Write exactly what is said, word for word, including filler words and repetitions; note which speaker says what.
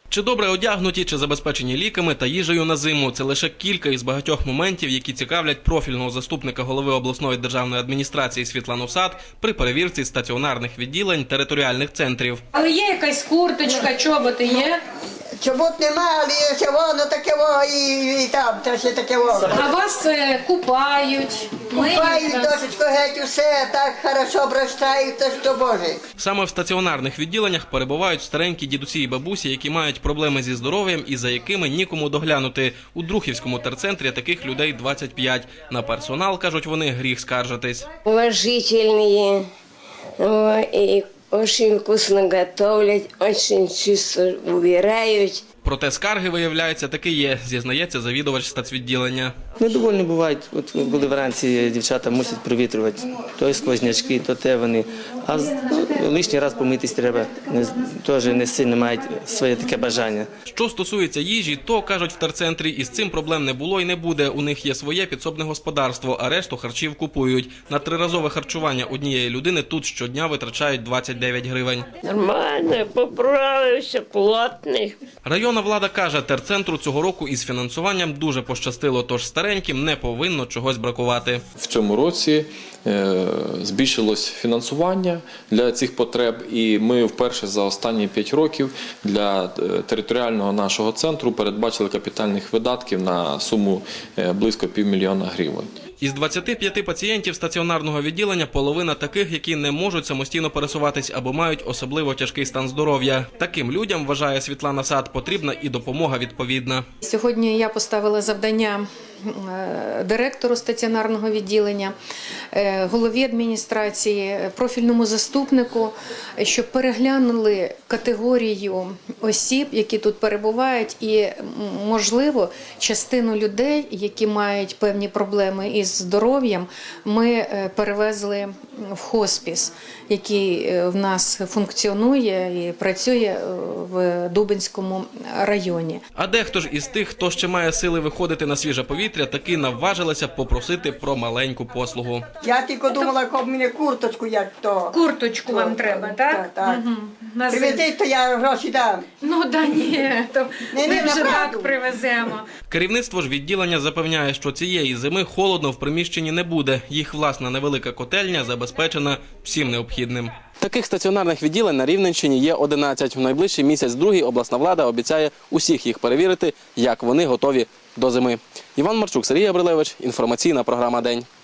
Speaker 1: Чи добре одягнуті, чи забезпечені ліками та їжею на зиму – це лише кілька із багатьох моментів, які цікавлять профільного заступника голови обласної державної адміністрації Світлану Сад при перевірці стаціонарних відділень територіальних центрів.
Speaker 2: Але є якась курточка, чоботи є?
Speaker 3: Чобот немає, але є воно таке во, і, і там теж є таке во.
Speaker 2: А вас е, купають?
Speaker 3: Купають,
Speaker 2: миють?
Speaker 3: досочко, геть усе, так хорошо обращають, то що Боже.
Speaker 1: Саме в стаціонарних відділеннях перебувають старенькі дідусі і бабусі, які мають проблеми зі здоров'ям і за якими нікому доглянути. У Друхівському терцентрі таких людей двадцять п'ять. На персонал, кажуть вони, гріх скаржитись.
Speaker 4: Уважительные, и очень вкусно готовят, очень чисто убирают.
Speaker 1: Проте скарги, виявляється, таки є, зізнається завідувач стацвідділення.
Speaker 5: Недовольні бувають, от коли вранці дівчата мусять провітрювати, то сквознячки, то те вони. А ну, лишній раз помитись треба, не, теж не сильно мають своє таке бажання.
Speaker 1: Що стосується їжі, то, кажуть в терцентрі, із цим проблем не було і не буде. У них є своє підсобне господарство, а решту харчів купують. На триразове харчування однієї людини тут щодня витрачають двадцять дев'ять гривень.
Speaker 4: Нормально, поправився, плотний.
Speaker 1: Районна влада каже, терцентру цього року із фінансуванням дуже пощастило, тож стареньким не повинно чогось бракувати.
Speaker 6: В цьому році е, збільшилось фінансування для цих потреб, і ми вперше за останні п'ять років для територіального нашого центру передбачили капітальних видатків на суму е, близько півмільйона гривень.
Speaker 1: Із двадцяти п'яти пацієнтів стаціонарного відділення половина таких, які не можуть самостійно пересуватись або мають особливо тяжкий стан здоров'я. Таким людям, вважає Світлана Сад, потрібна і допомога відповідна.
Speaker 2: Сьогодні я поставила завдання директору стаціонарного відділення, голові адміністрації, профільному заступнику, щоб переглянули категорію осіб, які тут перебувають, і, можливо, частину людей, які мають певні проблеми із здоров'ям, ми перевезли в хоспіс, який в нас функціонує і працює в Дубенському районі.
Speaker 1: А дехто ж із тих, хто ще має сили виходити на свіже повітря, таки наважилися попросити про маленьку послугу.
Speaker 3: Я тільки думала, як мені курточку, як то.
Speaker 2: Курточку вам треба, так?
Speaker 3: Так, так.
Speaker 2: Угу.
Speaker 3: Привезіть, то я гроші дам.
Speaker 2: Ну, да ні, то
Speaker 3: Ні,
Speaker 2: ми
Speaker 3: ні,
Speaker 2: вже
Speaker 3: направду.
Speaker 2: так привеземо.
Speaker 1: Керівництво ж відділення запевняє, що цієї зими холодно в приміщенні не буде. Їх власна невелика котельня забезпечена всім необхідним. Таких стаціонарних відділень на Рівненщині є одинадцять. В найближчий місяць-другий обласна влада обіцяє усіх їх перевірити, як вони готові до зими. Іван Марчук, Сергій Габрилевич, інформаційна програма «День».